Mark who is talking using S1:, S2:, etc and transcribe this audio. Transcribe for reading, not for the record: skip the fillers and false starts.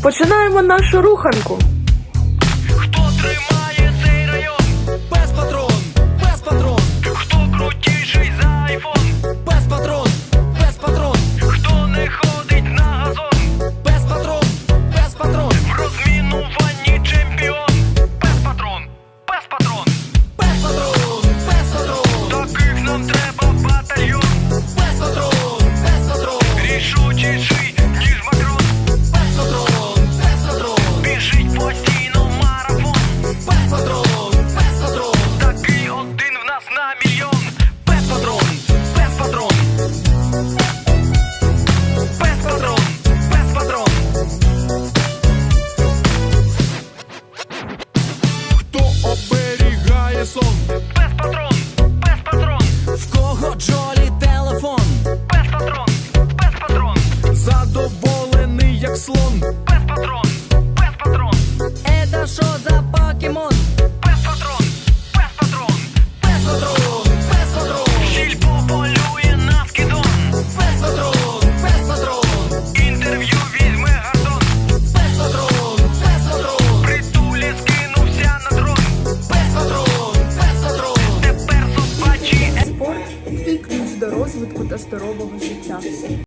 S1: Починаємо нашу руханку.
S2: Хто тримає цей район?
S3: Пес патрон, пес патрон,
S2: Хто крутіший за айфон?
S3: пес патрон, пес патрон,
S2: Хто не ходить на газон?
S3: пес патрон, пес патрон,
S2: В розмінуванні чемпіон. Пес патрон, пес патрон.
S3: пес патрон, пес патрон,
S2: Таких нам треба батальйон.
S3: пес патрон, пес патрон,
S2: Рішучіший, ніж Макрон.
S3: пес патрон, пес патрон,
S2: Біжить постійно марафон.
S3: пес патрон, пес патрон,
S2: Такий один в нас на мільйон.
S3: пес патрон, пес патрон, пес патрон, пес патрон. Хто оберігає сон?
S2: Пес патрон, пес патрон.
S3: В кого Джолі телефон?
S2: Пес патрон, пес патрон.
S3: Задоволений як слон.
S2: Пес патрон, пес патрон.
S3: Это що за покемон?
S2: Пес патрон, пес патрон.
S3: Пес патрон, пес патрон,
S2: Щільпо полює на скидон.
S3: пес патрон, пес патрон,
S2: Інтерв'ю візьме газон.
S3: пес патрон, пес патрон,
S2: Притулі скинувся на дрон.
S3: пес патрон, пес патрон.
S2: Тепер собачі
S1: Спорт – твій ключ до розвитку та здорового життя.